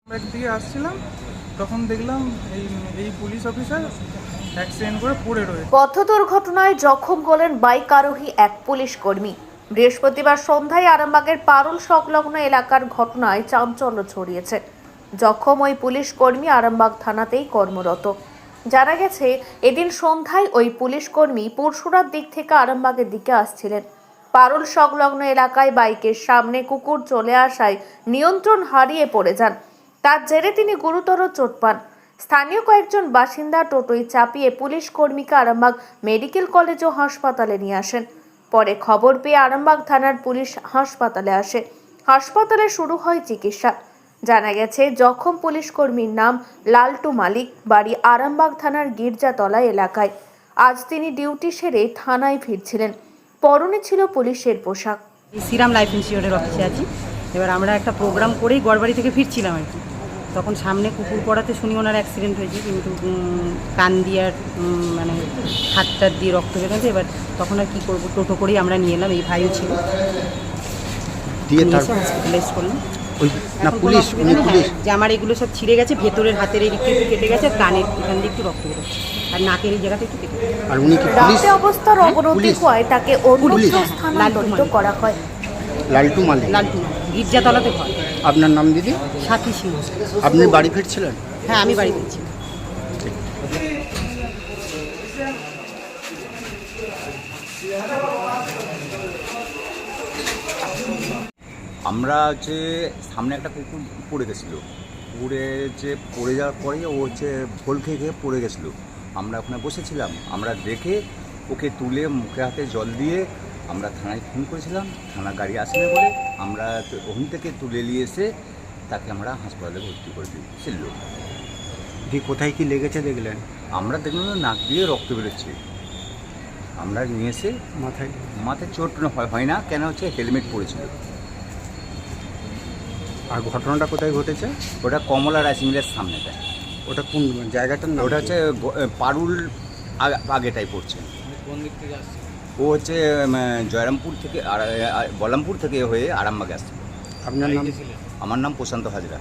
Bag দিয়ে আসছিলাম, তখন দেখলাম এই পুলিশ অফিসার অ্যাক্সিডেন্ট করে পড়ে রয়েছে। পথ দুর্ঘটনায় জখম হলেন বাইক আরোহী এক পুলিশ কর্মী। বৃহস্পতিবার সন্ধ্যায় আরামবাগের পারুল সংলগ্ন এলাকার ঘটনায় চাঞ্চল্য ছড়িয়েছে। জখম ওই পুলিশ কর্মী আরামবাগ থানাতেই কর্মরত। জানা গেছে, এদিন সন্ধ্যায় ওই পুলিশ কর্মী পরশুরার দিক থেকে আরামবাগের দিকে আসছিলেন। পারুল সংলগ্ন এলাকায় বাইকের সামনে কুকুর চলে আসায় নিয়ন্ত্রণ হারিয়ে পড়ে যান। তার জেরে তিনি গুরুতর চোট পান। স্থানীয় কয়েকজন বাসিন্দা টোটোয় চাপিয়ে পুলিশ কর্মীকে আরামবাগ মেডিকেল কলেজ ও হাসপাতালে নিয়ে আসেন। পরে খবর পেয়ে আরামবাগ থানার পুলিশ হাসপাতালে আসে। হাসপাতালে শুরু হয় চিকিৎসা। জানা গেছে, জখম পুলিশ কর্মীর নাম লালটু মালিক, বাড়ি আরামবাগ থানার গির্জাতলা এলাকায়। আজ তিনি ডিউটি সেরে থানায় ফিরছিলেন। পরনে ছিল পুলিশের পোশাক। শ্রীরাম লাইফ ইন্স্যুরেন্সের অফিসে আছি। এবার আমরা একটা প্রোগ্রাম করেই গড়বাড়ি থেকে ফিরছিলাম আর কি। তখন সামনে কুকুর পড়াতে শুনি ওনার অ্যাক্সিডেন্ট হয়েছে, কিন্তু কান দিয়ে আর মানে হাতটা দিয়ে রক্ত বেরোচ্ছে। এবার তখন আর কী করবো, টোটো করেই আমরা নিয়ে এলাম। এই ভাইও ছিল, দিয়ে হসপিটালাইজ করলাম। পুলিশ যে আমার এগুলো সব ছিঁড়ে গেছে, ভেতরের হাতের এই দিকটা একটু কেটে গেছে, কানের এখান দিয়ে একটু রক্ত বেরোচ্ছে, আর নাকের এই জায়গাটা একটু কেটে গেছে। আর উনি কি পুলিশ? অবস্থার অবনতি হওয়ায় তাকে অন্যত্র স্থানান্তরিত করা হয়। লালটু মালিক, গির্জাতলাতে ঘর। আপনার নাম দিদি? সাথী সিংহ। আপনি বাড়ি ফিরছিলেন? হ্যাঁ, আমি বাড়ি ফিরছি। আমরা হচ্ছে সামনে একটা কুকুর পড়ে গেছিলো, পড়ে যাওয়ার পরে ও ভোল খেয়ে পড়ে গেছিলো। আমরা ওখানে বসেছিলাম, আমরা দেখে ওকে তুলে মুখে হাতে জল দিয়ে আমরা থানায় ফোন করেছিলাম। থানা গাড়ি আসেনি বলে আমরা ওখান থেকে তুলে নিয়ে এসে তাকে আমরা হাসপাতালে ভর্তি করে দিয়েছিল। কোথায় কি লেগেছে দেখলেন? আমরা দেখলাম নাক দিয়ে রক্ত বেরোচ্ছে। আমরা নিয়ে এসে মাথায় চোট হয় না, কেন হচ্ছে হেলমেট পরেছিল। আর ঘটনাটা কোথায় ঘটেছে? ওটা কমলা রাইস মিলের সামনেটা। ওটা কোন জায়গাটার নাম? ওটা হচ্ছে পারুল আগেটাই পড়ছে। কোন দিক থেকে আসছে? ও হচ্ছে জয়রামপুর থেকে বলরামপুর থেকে হয়ে আরামবাগে আসছে। আপনার নাম? আমার নাম প্রশান্ত হাজরা।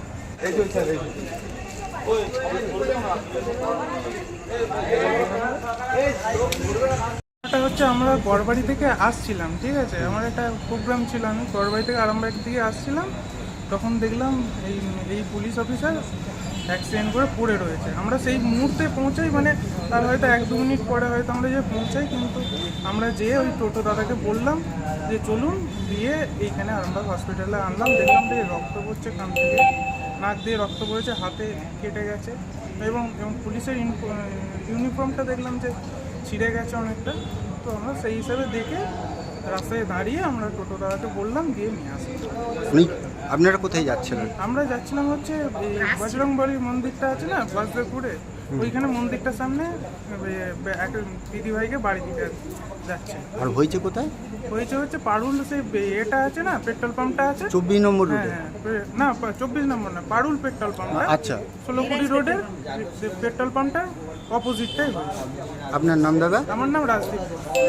হচ্ছে আমরা গড়বাড়ি থেকে আসছিলাম, ঠিক আছে, আমার একটা প্রোগ্রাম ছিল, আমি গড়বাড়ি থেকে আরামবাগ দিকে আসছিলাম, তখন দেখলাম এই পুলিশ অফিসার অ্যাক্সিডেন্ট করে পড়ে রয়েছে। আমরা সেই মুহূর্তে পৌঁছাই, মানে তার হয়তো 1-2 মিনিট পরে হয়তো আমরা যে পৌঁছাই, কিন্তু আমরা যেয়ে ওই টোটো দাদাকে বললাম যে চলুন, দিয়ে এইখানে আরামবাগ হসপিটালে আনলাম। দেখলাম যে রক্ত পড়ছে, কান থেকে নাক দিয়ে রক্ত পড়েছে, হাতে কেটে গেছে, এবং পুলিশের ইউনিফর্মটা দেখলাম যে ছিঁড়ে গেছে অনেকটা। তো আমরা সেই হিসাবে দেখে রাস্তায় দাঁড়িয়ে আমরা টোটো দাদাকে বললাম, দিয়ে নিয়ে আসি। আপনারা কোথায় যাচ্ছিলেন? আমরা যাচ্ছিলাম হচ্ছে বজরংবলী মন্দিরটা আছে না বাসদেবপুরে, ওইখানে মন্দিরটার সামনে এক দিদিভাইকে বাড়ি দিতে যাচ্ছে। আর হয়েছে কোথায়? হচ্ছে পারুল, সেই এটা আছে না পেট্রোল পাম্পটা আছে 24 নম্বর রোডে। না 24 নম্বর না, পারুল পেট্রোল পাম্প। আচ্ছা, 16 রোডের পেট্রোল পাম্পটার অপোজিটটাই হয়েছে। আপনার নাম দাদা? আমার নাম রাজদীপ।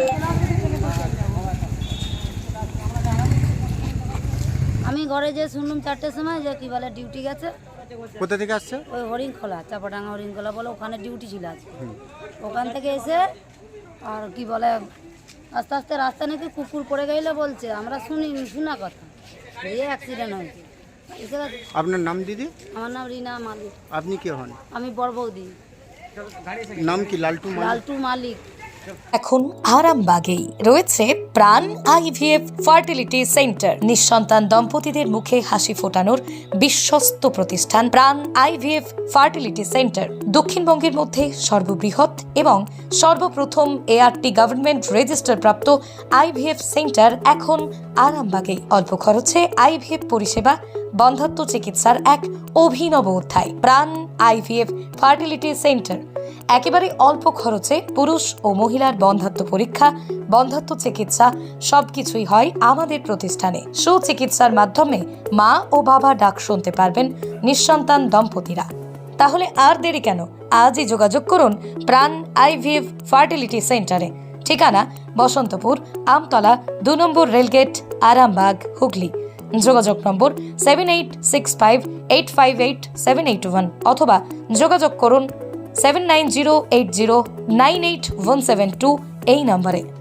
আমি ঘরে যে শুনলাম 4টের সময় যে কি বলে ডিউটি গেছে। কোথা থেকে আসছে? ওই হরিণখোলা, চাপাডাঙ্গা হরিণখোলা বলে, ওখানে ডিউটি ছিল আছে। ওখান থেকে এসে আর কি বলে আস্তে আস্তে রাস্তা নাকি কুকুর পড়ে গেলে বলছে, আমরা শোনা কথা, দিয়ে অ্যাক্সিডেন্ট হয়েছে। আপনার নাম দিদি? আমার নাম রিনা মালিক। আপনি কে হন? আমি বড় বৌদি। নাম কি? লালটু মালিক। লালটু মালিক। এখন আরামবাগেই রয়েছে প্রাণ আইভিএফ ফার্টিলিটি সেন্টার। নিঃসন্তান দম্পতিদের মুখে হাসি ফোটানোর বিশ্বস্ত প্রতিষ্ঠান প্রাণ আইভিএফ ফার্টিলিটি সেন্টার। দক্ষিণবঙ্গের মধ্যে সর্ববৃহৎ এবং সর্বপ্রথম এআরটি গভর্নমেন্ট রেজিস্টার প্রাপ্ত আইভিএফ সেন্টার এখন আরামবাগেই। অল্প খরচে আইভিএফ পরিষেবা, বন্ধ্যাত্ব চিকিৎসার এক অভিনব অধ্যায়। প্রাণ আইভিএফ ফার্টিলিটি সেন্টার একেবারে অল্প খরচে পুরুষ ও মহিলার বন্ধ্যাত্ব পরীক্ষা, বন্ধ্যাত্ব চিকিৎসা সবকিছুই হয় আমাদের প্রতিষ্ঠানে। সুচিকিৎসার মাধ্যমে মা ও বাবা ডাক শুনতে পারবেন নিঃসন্তান দম্পতিরা। তাহলে আর দেরি কেন? আজই যোগাযোগ করুন প্রাণ আইভিএফ ফার্টিলিটি সেন্টারে। ঠিকানা বসন্তপুর, আমতলা, 2 নম্বর রেলগেট, আরামবাগ, হুগলি। যোগাযোগ নম্বর 7865858781 অথবা যোগাযোগ করুন 7908098172 এই নম্বরে।